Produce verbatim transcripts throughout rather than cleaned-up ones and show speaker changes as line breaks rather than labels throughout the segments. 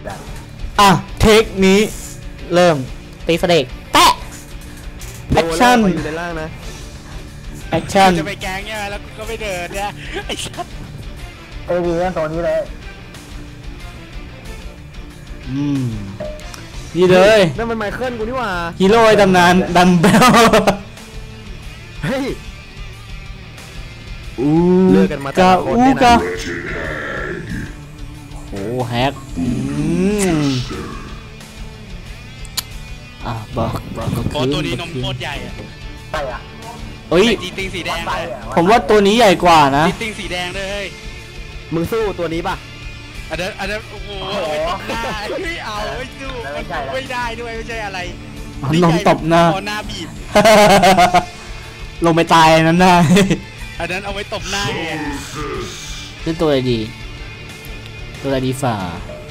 อ่ะเทคนี้เริ่มตีเฟรกแปะแอคชั่น
อยู่ในล่างนะ
แอคชั่น
จะไปแกงเนี่ยแล้วก็ไปเดินเนี่ยไอ้ชัด
เอวีกันตัวนี้เลย
อืมนี่เลย
นั่นมันไมเคิลกูนี่หว่า
ฮีโร่ไอ้ตำนานดัมเบล
เฮ้ย
อู
เลิกกันมาแต่ละคนเนี่ยนะ
โอ้แฮกอืมอ่ะบอกบอกก็คือ
ตัวนี้นมโคตรใหญ่อะ
ใช่อะ
เฮ้ย
จีติงสีแดง
ผมว่าตัวนี้ใหญ่กว่านะ
จีติงสีแดงเลย
มึงสู้ตัวนี้ป่ะ
อันนั้นอันนั้นโอ้โหไม่ตบหน้าไม่เอาไม่สู้ไม่ได้ด้วยไม่ใช่อะไร
ลงตบหน้า
หน้าบีบ
ลงไปตายนั้นได้
อันนั้นเอาไว้ตบหน้าไง
เล่นตัวอะไรดีตัวอะไรดีฝ่า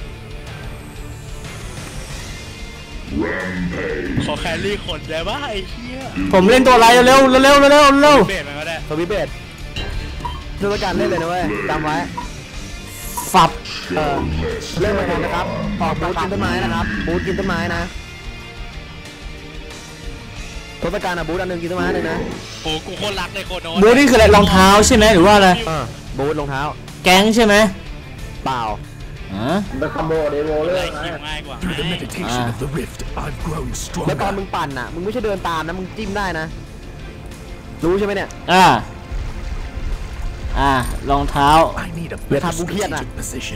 ขอแครี่คนได้ป่ะไอ้เหี้ย
ผมเล่นตัวอะไรเร็วเร็วเร็วเร็วเร็ว
เบสมันก็ได้
ตัววิเบสดูประการเล่นเลยนะเว้ยจำไว้
ฝับ
เออเล่นเหมือนกันนะครับออกบูทกินต้นไม้นะครับบูทกินต้นไม้นะทศกัณฐ์อะบูทอันหนึ่งกินต้นไม้เลยนะ
โอ้กูโคตรรักเลยโคโน
บูทนี่คืออะไรรองเท้าใช่ไหมหรือว่าอะไร
บูทรองเท้า
แก๊งใช่ไหม
เปล่า
อ่ะ
เป็นคอมโบเดโวเลย
ง่ายกว่า
แล้วตอนมึงปั่นอ่ะมึงไม่ใช่เดินตามนะมึงจิ้มได้นะรู้ใช่ไหมเนี่ย
อ่าอ่ารองเท้า
เดี๋ยวทำกูเครียดนะ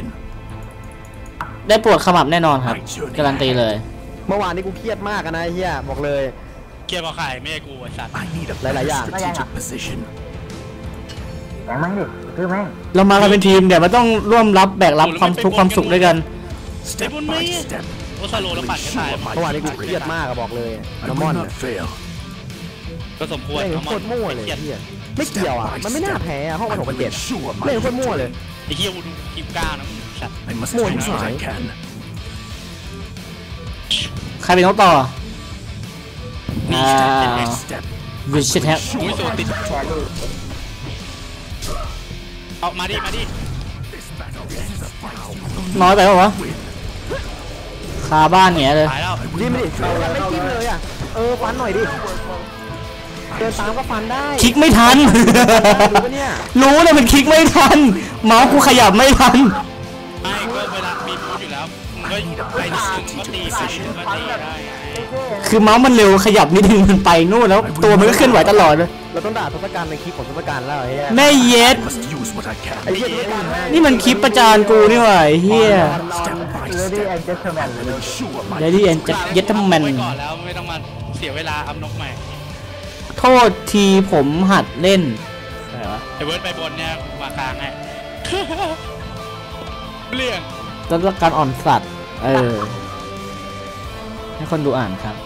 ได้ปวดขมับแน่นอนครับการันตีเลย
เมื่อวานนี้กูเครียดมากนะเฮียบอกเลย
เครียดเพราะใครไม่ใช่กูไอ้สัตว์
หลายๆอย่าง
ไม่ใช่ครับแข่งมั้งดิคือแม่ง
เรามากันเป็นทีมเดี๋ยวมันต้องร่วมรับแบกรับความทุกข์ความสุขด้วยกัน
สเต็ปบนไม่โอซาโลแล้วปัดแค่ตาย
เมื่อวานนี้กูเครียดมากอะบอกเลยน้ำมอน
ก็สมควร
เล่นโคตรมั่วเลยไม่เกี่ยวอ่ะมันไม่น่าแพ้ห้องมันหกมันเจ็ดเล่นโคตรมั่วเลย
ไอ้เหี้ยกูดูคลิปก้านะสัตว์
มั่วที่สุด
ใครเป็นน้องต่ออ่าวิชิตแฮก
อุ้ยโซติดเอามาดิมาดิ
น้อยไปป่าวะคาบ้านเงี้ยเลย
จิ้มดิยังไม่จิ้มเลยอ่ะเออฟันหน่อยดิเดินตามก็ฟันได้
คลิกไม่ทันรู้เลยมันคลิกไม่ทันเมาส์กูขยับไม่ทัน
ไม่ก็เวลามีบูทอยู่แล้วก็ไปนิดนึงก็ตีไปก็ตีได้
คือเมาส์มันเร็วขยับนิดนึงมันไปนู่นแล้วตัวมันก็เคลื่อนไหวตลอดเลย
เราต้องด่าทศกัณฐ์ในคลิปของทศกัณฐ์แล้วไอ้
แม่เย็ดนี่มันคลิปประจานกูนี่หว่าไอ้เฮียเดดี้แอนเจเยตแมน
ไปก่อนแล้วไม่ต้องมาเสียเวลาอัพนกใหม่
โทษทีผมหัดเล่นอะไรวะ
ไอเวิร์ดไปบนเนี่ยมากลางให้เรื่อง
ต้นการอ่อนสัตว์เออให้คนดูอ่านครับ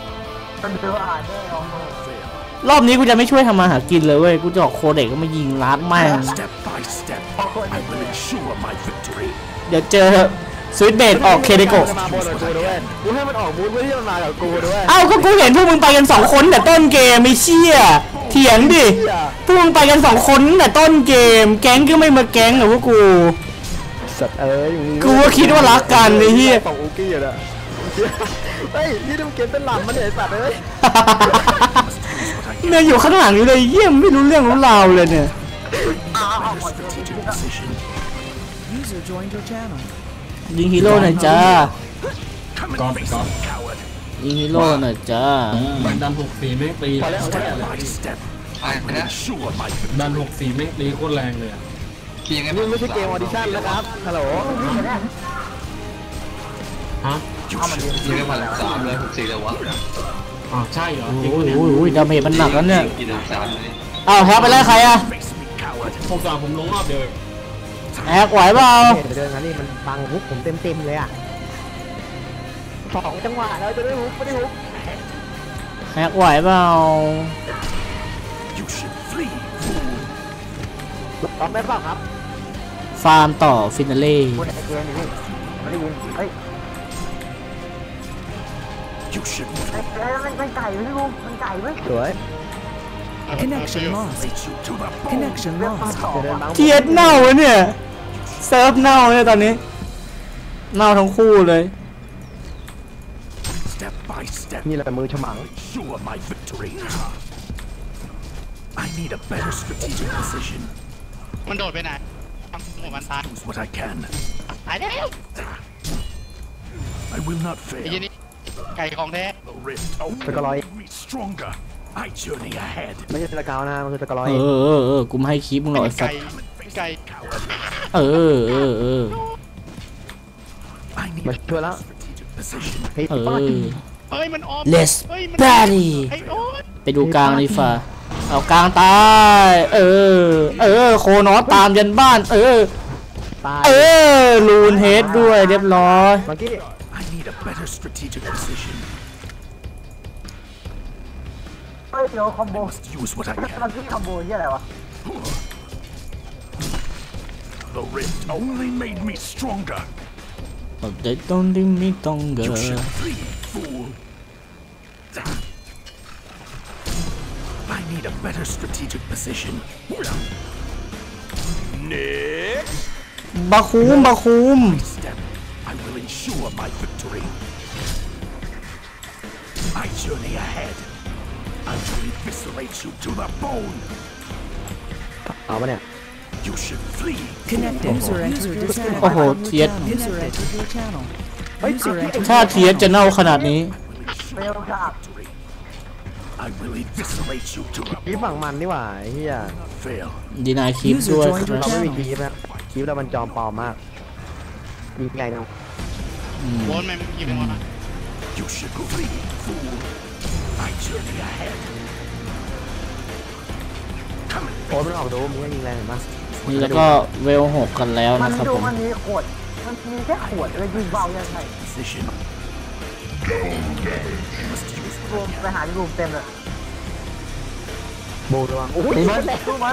รอบนี้กูจะไม่ช่วยทำมาหากินเลยเว้ยกูจะออกโคเด็กก็มายิงลัดแม่งเดี๋ยวเจอสวิตเบดออกเคเดโกะ
กูให้มันออกบูธเพื่อที่มันมากับกูด้วย
เอ้าก็กูเห็นพวกมึงไปกันสองคนแต่ต้นเกมไม่เชี่ยเถียงดิพวกมึงไปกันสองคนแต่ต้นเกมแก๊งก็ไม่มาแก๊งหรอพวกกู
สัตว์เอ้ย
กูก็คิดว่ารักกันไอ้เหี้ย
ของอูกี้อะเฮ้ยนี่ดูเกมเป็นหลับมันเนี่ยสัตว์เอ้ย
เนี่ยอยู่ข้างหลังอยู่เลยเยี่ยมไม่รู้เรื่องรู้ราวเลยเนี่ยยิงฮีโร่หน่อยจ้า
ก๊อฟก๊อฟ
ยิงฮีโร่หน่อยจ้า
ดันดันหกสี่แม่งตีดันหกสี่แม่งตีโคตรแรงเลย
นี่ไม่ใช่เกมออดิชั่นนะครับฮัลโหล
ฮะ
ยิงไปแล้วสามเลยหกสี่เลยวะ
อ๋อใช่เหรอ
โอ้ยโอ้ยดาเมจมันหนักแล้วเนี่ยอ้าวแฮกไปแล้วใครอะ
ผมสามผมลงรอบเดียว
แฮกไหวเปล่า
เดินงั้นนี่มันบังฮุกผมเต็มเต็มเลยอ่ะสองจังหวะแล้วจะได้ฮุกไม่ได้ฮุก
แฮกไหวเปล่า
พร้อมได้เปล่าครับ
ฟาร์มต่อฟินาเล่
ไม่ได้ยินเฮ้ยมันไก่ไหมลูกมันไก่ไหม
สวย
Connection lost Connection lost
เกียดเน่าเนี่ยเซิร์ฟเน่าเนี่ยตอนนี้เน่าทั้งคู่เลย
by step.
นี่แหละมือฉมัง
Sure my victory. I need a better strategic position.
มันโดดไปไหนทำหัวมันตาย
Use what I can.
ตายแล้ว
I will not
ไอ้ยี่
fail.
นี่ไก่ของแท้
The rift only
Tagalog.
made me stronger. I journey ahead.
ไม่ใช่ตะกาวนะมันคือตะกร้อย
เออเออเออกูไม่ให้คลิปมึงหรอกไอ้สั
ไก่
ส
ไก่
เออเออเออ
I need
มา
a
ช่วยแล้ว
strategic position.
เฮ้ย
เอ
ป้า
อ
เฮ้ยมันออม
Let's
เฮ้ยมัน
party
ไอ้โอ๊ย
ไปดูกลางดีฝ่าเอากลางตายเออเออโคนอสตามยันบ้าน เออ
ตาย
เออลูนเฮดด้วยเรียบร้อย
เมื่อกี้
I need a better strategic position.
เฮ้ยเดี๋ยวคอมโบ
I must use what I
มัน
can.
คือคอมโบที่อะไรวะ
The rift only made me stronger.
แต่ต้องดิ้นไม่ต้องเก
You
อ
should flee, fool. I need a better strategic position. Next
บาคูมบาคูม
step, I will ensure my victory. I journey ahead. I will eviscerate you to the bone.
เอาปะเนี่ย
You should flee.
Connected. User entered your channel.
โอ้โหเทียด
User entered your channel. User entered
ถ้าเทียดจะเน่าขนาดนี้
เบลครับ
Victory. I will eviscerate you to the
คลิปฝั่งมันนี่หว่าไอ้เฮีย
fail.
ดีนายคลิปด้วยค
เรา
รับ
ไม่มีคลิปนะคลิปเรามันจอมปลอมมากมีไงเนาะ
โวนแม่งยิงมา
You should flee, fool. I journey ahead.
โอ้มันออกดูมึงก็ยิงแรงเห็นปะ
นี่แล้วก็เวลหกกันแล้ว
มัน
นะครับ
ดู
ผม
มันมีขวดมันมีแค่ขวดเลยยิงเบายังไง
Position.
รวมไปหาที่รูมเต็มเลย
โบระวังโอ้ย
ดู
มั
มัน นดูมัน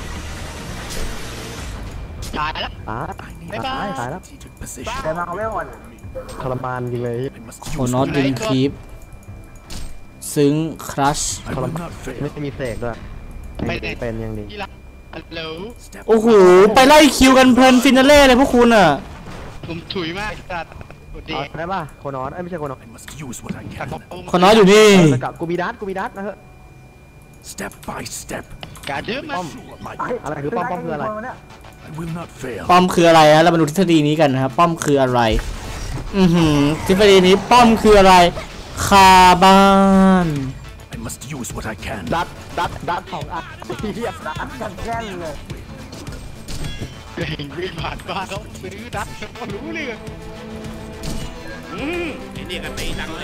ตายแล้ว
ตาย
I need
ตายตายแล้ว
strategic position.
เดินมาเอาเวลก่อน
ทรมานจริงเลย
I must
โค
use
นอส
what
ดิน
I
คลิปซึ้งครัช
I will not
ไม่
fail.
มีเสกด้วยเป็นยังดี
ที่รักฮัลโหล
Step
โอ้โห ไปไล่คิวกันเพลินฟินาเล่เลยพวกคุณอ่ะ
ผมถุยมากจัดกดดี
เอาได้ป่ะโคนอสเอ้ยไม่ใช่โคนอส
I must use what I
ตัด
can.
บอกโอ้
คนน้อยอยู่นี่
สกับกูบีดัสกูบีดัสนะเฮ้ย
Step by step.
การดื้อมา
Sure, my
อะไรคือป้อมป้อมคืออะไร
I will not fail.
ป้อมคืออะไรฮะเรามาดูทฤษฎีนี้กันนะครับ ป้อมคืออะไร อือหือทฤษฎีนี้ป้อมคืออะไร คาบ้าน
I must use what I can.
ดัดดัดดัดสองอันเฮียดัด
กันแก้นเลย
เก่งวิ่งผ่านบ้านเขาซื้อดักเขารู้เลยอืมไอ้นี่ก็ตีดังเลย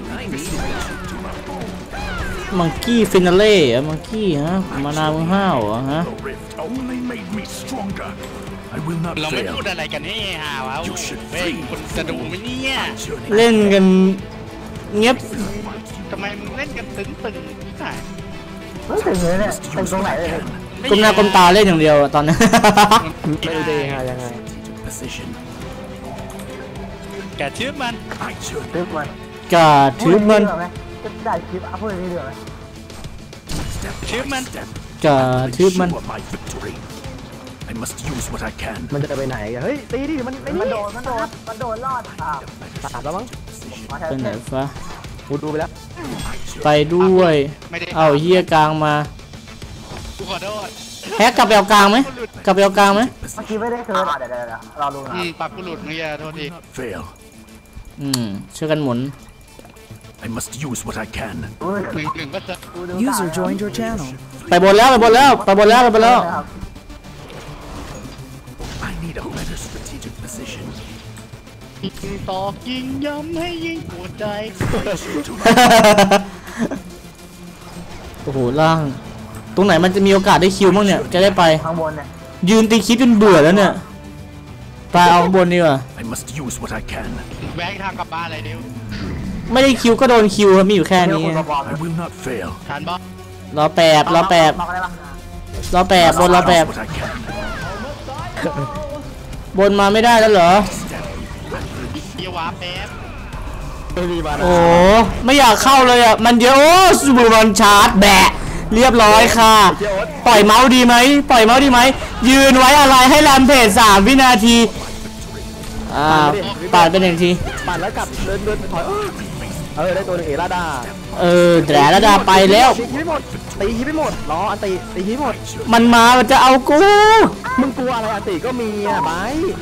มังกี้ฟินาเล่อะมังกี้ฮะ มานามึงห้าวเหรอฮะ
The rift only made me stronger. I will not
เราไม่
fail.
พูดอะไรกันนี่ฮาวะเฮ้ยคนจะดูไหมเนี่ย
Journey
เล่นกันเงียบ
ทำไมมึงเล่นกันตึงตึงที่ไหน
ไม่ถึงเลยเนี่ยเป็นตรงไหนเลย
ก้มหน้าก้มตาเล่นอย่างเดียวอะตอนนี้
ไม่รู้จะยังไงยังไง
position.
แกชื่อมัน
I journey.
ทึบมัน
กาถือมัน
จะได้คลิปอัพพูดนี้เดือดไหม
Step
Shoot,
by
man.
step.
กาถือมัน
Ensure my victory. I must use what I can.
มันจะไปไหนกันเฮ้ยตีดิมันไอ้
มัน
นี่
โดนมันโดนมันโดนรอดอ่ะ
ตัดแล้วมั้ง
มาแท
ไป
น
ไหน
เทป
ฟะ
กูดูไปแล้ว
ไปด้วย
ไม่ได้
เอาเฮียกลางมา
กูขอโทษ
แฮกกลับไปเอากลางไหมกลับไปเอากลางไหม
เมื่อกี้ไม่ได้เคิร์ฟเดี๋ยวเดี๋ยวเราดูนะ
อืมปากกูหลุดเมื่อกี้โทษที
Not fail.
อืมช่วยกันหมุน
I must use what I can.
ดู
หนึ่งหนึ่งก็จะ
ดู
User joined your channel.
ไปบนแล้วไปบนแล้วไปบนแล้วไปบนแล้ว
I need a better strategic position.
ยิงตอกยิงย้ำให้ยิงปวดใจ
โอ้โหล่าง ตรงไหนมันจะมีโอกาสได้คิวบ้างเนี่ยจะได้ไป
ข้างบนเนี่ย
ยืนตีคลิปจนเบื่อแล้วเนี่ยไปเอาข้างบนดีกว่า
I must use what I can.
แวงทางกลับบ้านอะไรเดียว
ไม่ได้คิวก็โดนคิวครับมีอยู่แค่
เดี๋ยว
นี้
คุณมาบอก
I will not fail.
ทันบอส
รอแปบรอแปบ
บอกอะไรบ้าง
รอแปบบนรอแปบ
What I can.
บนมาไม่ได้แล้วเหรอ
เยียวาแป๊บ
โอ้ไม่อยากเข้าเลยอ่ะมันเยอะโอ้ซูบูมันชาร์จแบะเรียบร้อยค่ะ ปล่อยเมาส์ดีไหมปล่อยเมาส์ดีไหมยืนไว้อะไรให้แรมเพจสามวินาทีอ่าปาดเป็นหนึ่งที
ปั่นแล้วกลับเดินเดินถอยเออได้ตัวหนึงเอราดา
เออแต่ละดาไปแล้ว
ตีคิดไม่หมดตีคิดไม่หมดรออันตีตีคิดหมด
มันมามันจะเอากู
มึงกลัวอะไรอันตีก็มีอ่ะไบ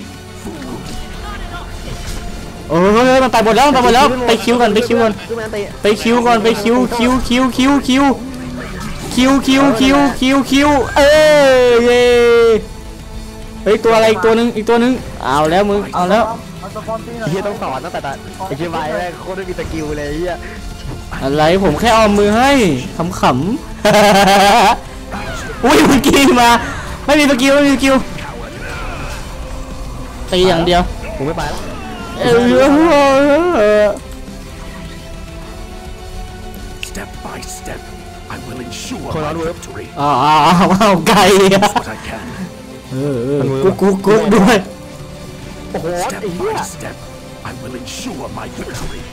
เออมันไปหมดแล้วมันไปหมดแล้วไปคิวก่อนไปคิวก่อน
คือมันอันตี
ไปคิวก่อนไปคิวคิวคิวคิวคิวคิวคิวคิวคิวคิวเออเย้เฮ้ยตัวอะไรอีกตัวนึงอีกตัวนึงเอาแล้วมึงเอาแล้ว
มันสปอนตี้หน่อย
เฮียต้องสอนตั้งแต่แต่ไอ้เชียร์ไบแม่งโคตรไม่มีสกิลเลยเฮีย
อะไรผมแค่เอามือให้ขำๆ อุ้ยเมื่อกี้มาไม่มีสกิลไม่มีสกิลตีอย่างเดียว
ผมไม่ไปแล้ว
เออ
Step by step, I will ensure
Hold
my
on, Will.
victory.
อ้าวอ้าวอ้าวไก่อะ
What I can.
เออเออกุ๊กกุ๊กกุ๊กด้วย
โอ้โห
Step
ไอ้เหี้ย
by step, I will ensure my victory.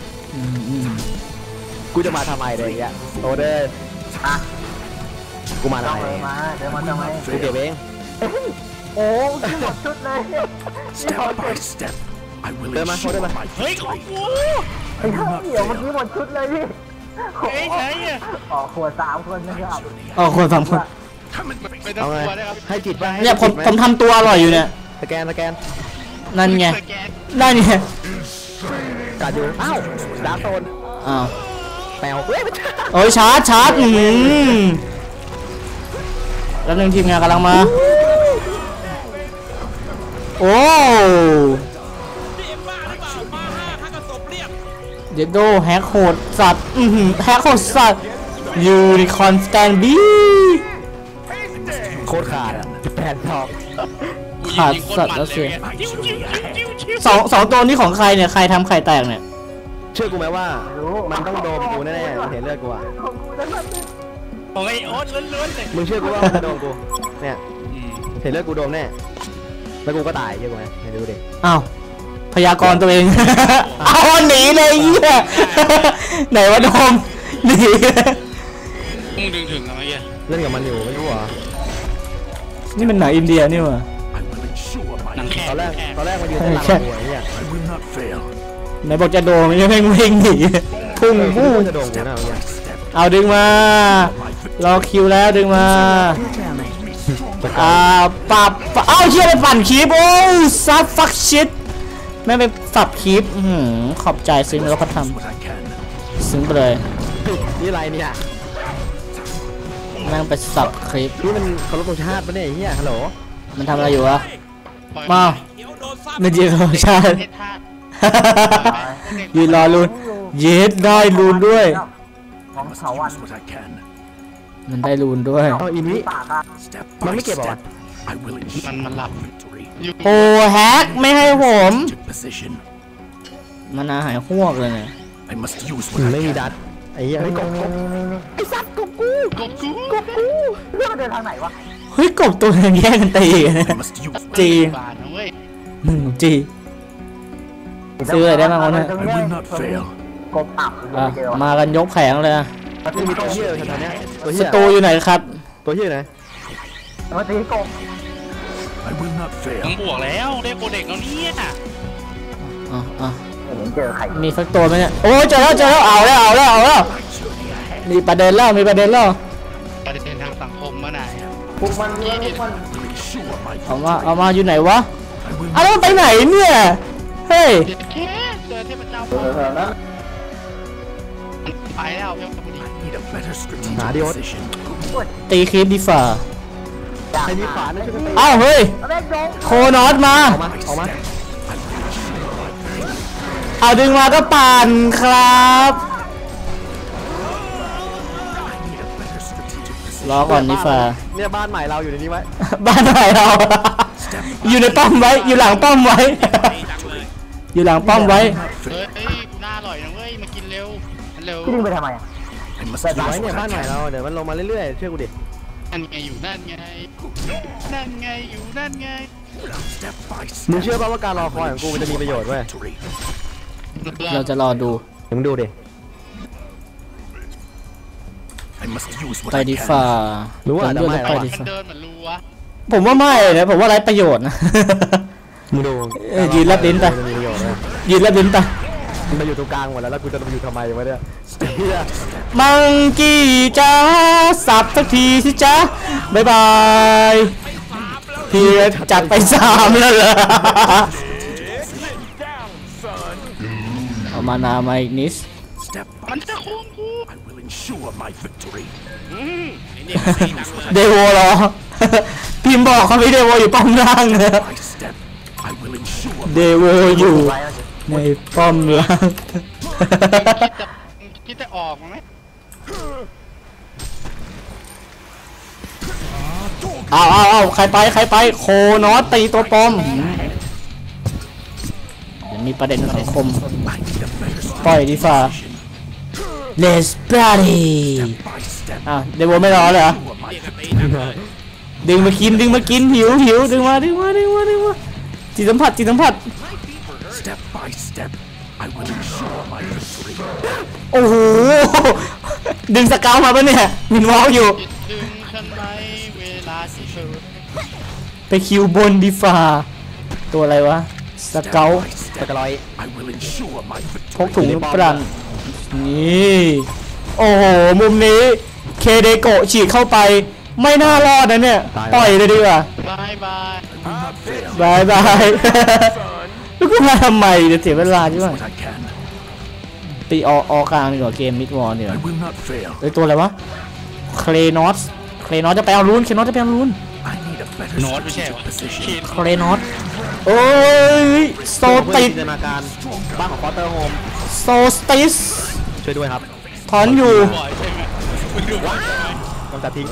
กูจะมาทำไมเลยเนี่ยโตเด้ออ่ะกูมา
ต้
ทำ
อง
ไม
เลยมาเดี๋ยวมาทำไม
กูเก็บเอง
โอ้ที่หมดชุดเลย
Step by step, I will
Đưa mà, thôi đưa
ensure
mà.
my
เฮ้ยของ
victory.
กู
ไอ้เหี้ยเดี๋ยวเมื่อกี้หมดชุดเลยพี่
เฮ้ยใช่อะ
ออกขวดสามคนนะครับ
อ๋อคนสามคน
Come and
ไม่ต้อง
เอาไง
กลัวนะครับ
ให้จิตป่ะให้
เนี่ยผม
จิตไห
ผมทำตัวอร่อยอยู่เนี่ย
สแกนสแกน
นั่นไง
สแกน
นั่นไง
กัดอยู่อ้าวดาร์กโซน
อ้าว
แปลวเฮ้ยไม่ใช่
โอ้ยชาร์จชาร์จอืมแล้วหนึ่งทีมงานกำลังมาโอ้เดดโดแฮกโหดสัตว์อือหือแฮกโหดสัตว์ยูนิคอนสแตนบี
โคตรขาดอ่ะแปดทอง
กูยิง
ขาด
ยิงโคต
สั
ร
ตว์
มัน
แล้ว
เล
เสี
ย
ย
ไงจิ้วจิ้วจิ้วจิ้วจิ้ว
สองสองตัวนี้ของใครเนี่ยใครทำไข่แตกเนี่ย
เชื่อกูไหมว่ามันต้องโดนกูแน่ๆมันเห็นเลือดกูอ่ะ
ของกูนั่นมัน
ของไอ้โอ๊ตล้วนๆเลย
มึงเชื่อกูว่ามันจะโดนกูเนี่ย
อืม
เห็นเลือดกูโดนแน่แล้วกูก็ตายเชื่อกูไหมให้ดูดิ
อ้าวพยากรณ์ตัวเอง เอาหนีเลยเหี้ย ไหนวะโดมหนี
มึงดึงถึงอะไรเงี้ย
เล่นกับมันอยู่ไม่รู้เหรอ
นี่มันหนังอินเดียนี่หว่า
I will ensure
หนัง
my
แขก
ตอนแรก
แขก
ตอนแรกมันยืนเต้นรำกับกูไอ้เหี้ย
I will not fail.
ไหนบอกจะโดมยังไม่งวิ่งหนีพุ่ง
เออกู
พุ่ง
ว่าจะโดนกูนะเมื่อกี้
Step
เอาดึงมา รอคิวแล้วดึงมา
Your channel.
อ่าปับปับเอ้าเชี่ยไปปั่นคลิปโอ้ยซับฟักชิตแม่งไปสับคลิปอื้อหือขอบใจซึ้งแล้วเขาท
what I can.
ำซึ้งไปเลย
นี่อะไรเนี่ย
แม่งไปสับคลิป
นี่มันเคารพธงชาติปะเนี่ยไอ้เหี้ยฮัลโหล
มันทำอะไรอยู่วะ
ปล่อย
มา
เดี๋ยวโดนซับ
ไม่จริงเหรอใช่
เทศธาตุ
ยืนรอลูนเย็ดได้ลูนด้วย
ของ
Must
เขาวัน
use what I can.
มันได้ลูนด้วย
เอาอีนี้
ปากอะ
Step
Mà
by
mấy kẹp bảo
step, I will ensure
มันมันหลับ
victory.
อยู่
โอ้แฮกไม่ให้ผม
Took position.
มันอาหายหวกเลยเนี่ย
I must use
อื
what
ม
I
ไม่มี
can.
ดัดไอ้เหี้ย
นี่
เฮ้ยกบ
นี่
กบ
นี่นี่นี่
ไอ้สัตว์กบกู
กบกู
กบกู
เรื่องมันเดินทางไหนวะ
เฮ้ยกบตัวนึงแย่งกันตีกันนะ
I must use.
จี
บานนะเว้ย
หนึ่งจีซื้ออะไรได้บ้างวะเนี่ย
I will not fail.
กบอับ
อ่ะ
เจอ
มากันยกแผงเลยอะ
ไม่มีตัวเหี้ยเลยแถวๆเนี้ยตัว
ส
เหี้ย
ตูอยู่ไหนครับ
ตัวเหี้ยไหน
มาตีกบ
I will not
ผม
fail.
บวกแล้วได้โปรเด็กแล้วเนี่ย
อ่ะอ่ะ
เห็นเจอใคร
มีสักตัวไหมเนี่ยโอ้ยเจอแล้วเจอแล้วเอาแล้วเอาแล้วเอาแล้วมีประเด็นแล้วมีประเด็นแล้ว
ประเด็นทางสังคมมาไหนอะ
พวกมันเนี่ยพวกมัน
I will ensure my
เอามา
victory.
เอามาอยู่ไหนวะ
I will
เอาแล้วมันไปไหนเนี่ยเฮ้ย
เด็ดแค่เจอเทพเจ้าไปแล้วเพียงพอดี
need a better strategic
Nah, đi ốt.
position.
ตีคลิปดีฝ่า
ใครมีขวานนะช่วยกันตี
อ้าวเฮ้ย
แม่งโดน
โคนอสมา
ออกมาออกมา
เอาดึงมาก็ปั่นครับ
Need a better strategic position.
รอก่อนดีฝ่า
เนี่ยบ้านใหม่เราอยู่ในนี้ไว้
บ้านไหนเรา อยู่ในป้อมไว้ อยู่หลังป้อมไว้ อยู่หลังป้อมไว้
เฮ้ยกูน่าอร่อยนะเว้ยมากินเร็วเร็ว
พี่ดึงไปทำไมอ่ะ
I must
อยู่
use
ไว้เนี่ย
what
บ้าน
I
ใหม่
can.
เราเดี๋ยวมันลงมาเรื่อยๆเชื่อกูดิ
นั่นไงอยู่นั่นไงนั่นไงอยู่นั่นไง
Step by
มึง
step.
เชื่อป่ะว่าการรอคอยของกูมันจะมีประโยชน์เว้ย
Victory.
เราจะรอดู
เดี๋ยวมึงดูดิ
I must use what
ไป
I
ดี
can.
ฝ่า
รู้ว่า
ผม
จะ
ด้วย
ไม่
แล้ว
หรอ
ไปดี
มัน
ฝ่า
เดินเหมือนรูวะ
ผมว่าไม่นะผมว่าไร้ประโยชน์นะ
มึงดู
เออยืนรับลิ้นไป
จะมีประโยชน์เว้ย
ยืนแล้วลิ้นไป
มันมาอยู่ตรงกลางหมดแล้วแล้วกูจะมาอยู่ทำไมวะเนี่ยเหี้ย
มังกี้จ้าสับสักทีสิจ้าบ๊ายบายพี่จัดไปสามแล้วเหรอเอามานามาอีกนิด
Step
มัน
by
จะโค้งกู
I will ensure my victory.
อืมไอ้นี่มันตีหนักเลย
เดโวเหรอ พิมพ์บอกเขาไม่เดโวอยู่ป้อมล่างนะ
By step, I will ensure
เดโวอยู่ในป้อมล่าง
คิดจะคิดจะออกมั้ยไหม
เอาเอาเอาใครไปใครไปโคนอสตีตัวปลอมเดี๋ยวมีประเด็นสังคม
I need a better
ปล่อยดีฟ่า Let's party
by step.
อ่ะเดโวไม่รอเลยเหรอ
Ensure my
เรียกกันตีหนักเลย
ดึงมากินดึงมากินหิวหิวดึงมาดึงมาดึงมาดึงมาจิตสัมผัสจิตสัมผัส
step by step, I will ensure my victory.
โอ้โหดึงสเกลมาปะเนี่ยมินวอลอยู่
จิตดึงฉันไหมเวลาที่เธอ
ไปคิวบนดีฟ่าตัวอะไรวะสเกล
By
ตะ
step,
กร้อย
I will ensure my
พก
victory.
ถุงลูกปรังนี่โอ้โหมุมนี้เคเดโกะฉีดเข้าไปไม่น่ารอดนะเนี่ยปล่อยเลยดีกว่า
บายบาย
บายบาย แล้วกูมาทำไมเดี๋ยวเสียเวลาใช่ไหม
What I can.
ตีอออกลางดีกว่าเกมมิดวอลเนี่ย
I will not fail.
ไอตัวอะไรวะเคลนอสเคลนอสจะไปเอารูนเคลนอสจะไปเอารูน
I need a better
โน้ตไม่ใช่เหรอ
position.
ขีด
เคลนอสโอ้ยโซติด
จินตนาการบ้านของคอเตอร์โฮม
โซติส
ช่วยด้วยครับ
ถอนอยู่
บ่อยใช่ไหมคุณดูบ่อยใช่ไหม
กำจัดทิ้ง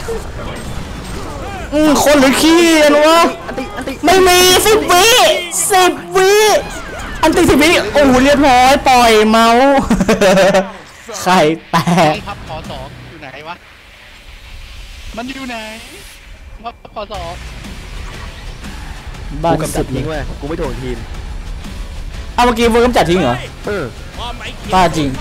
อืมคนหรือขี้อะรู้วะ
อันติอันติ
ไม่มีสิบวิสิบวิอันติสิบวิโอ้โหเรียบร้อยปล่อยเมาส์ ไข่แต
ต้
ก
องพับขอสองอยู่ไหนวะมันอยู่ไหนพับขอสอง
บ้า
กู
น
กำจั
สุ
ด
ดเล
ทิ้
ย
งเว้ยกูไม่ถ่วงทีม
เอาเมื่อกี้เวิร์กกำจัดทิ้งเหรอ
เออ
บ้าจริง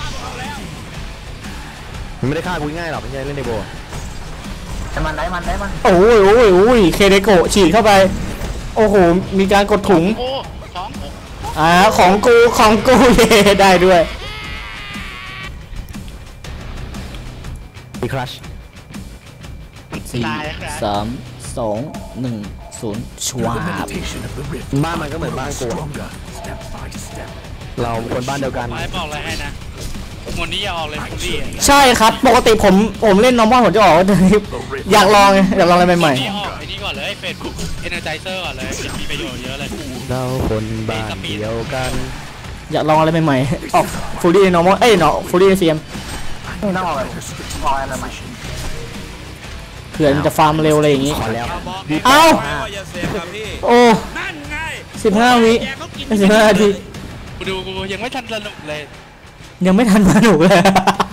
มันไม่ได้ฆ่ากูง่ายหรอกไม่ใช่เล่นในโบ
ได้มันได้มันได้มัน
โอ้ยโอ้ยโอ้ยเคเดโกะฉีดเข้าไป โอ้โห มีการกดถุง
โอ้สองหก
อ่า ของกูของกู เย่ได้ด้วย
มีครัช
สี่
ตายแล้วครับ
สามสองหนึ่งศูนย์ชวา
The
บ
meditation of the rift.
บ้านมันก็เหมือนบ้านกูอะ
Stronger, step by step.
เราคนบ้านเดียวกัน
ไม่บอกอะไรให้นะหมดนี้อย่าออกเลยคุณพี่
ใช่ครับ ปกติผมผมเล่นนอร์มอลผมจะออกแต่นี้อยากลองไงอยากลองอะไรใหม่
นี่ออกไอ้นี่ก่อนเลยเฟซบุ๊กเอเนอร์ไจเซอร์ก่อนเลยมีประโยชน์เยอะเลย
เราคนบ้านเดียวกัน
ๆ อยากลองอะไรใหม่ๆ ออกฟูลี่นอร์มอลเอ้ยเนาะฟูลี่เซียม
นี่ต้องเอาอะไรเอาอะไรใหม่
เผื่อมันจะฟาร์มเร็วอะไรอย่างงี้
ขอแล้ว
เอ้า โอ้สิบห้าวิสิบห้านาที
กูดูกูยังไม่ทันสนุกเลย
ยังไม่ทันมาหนุกเลย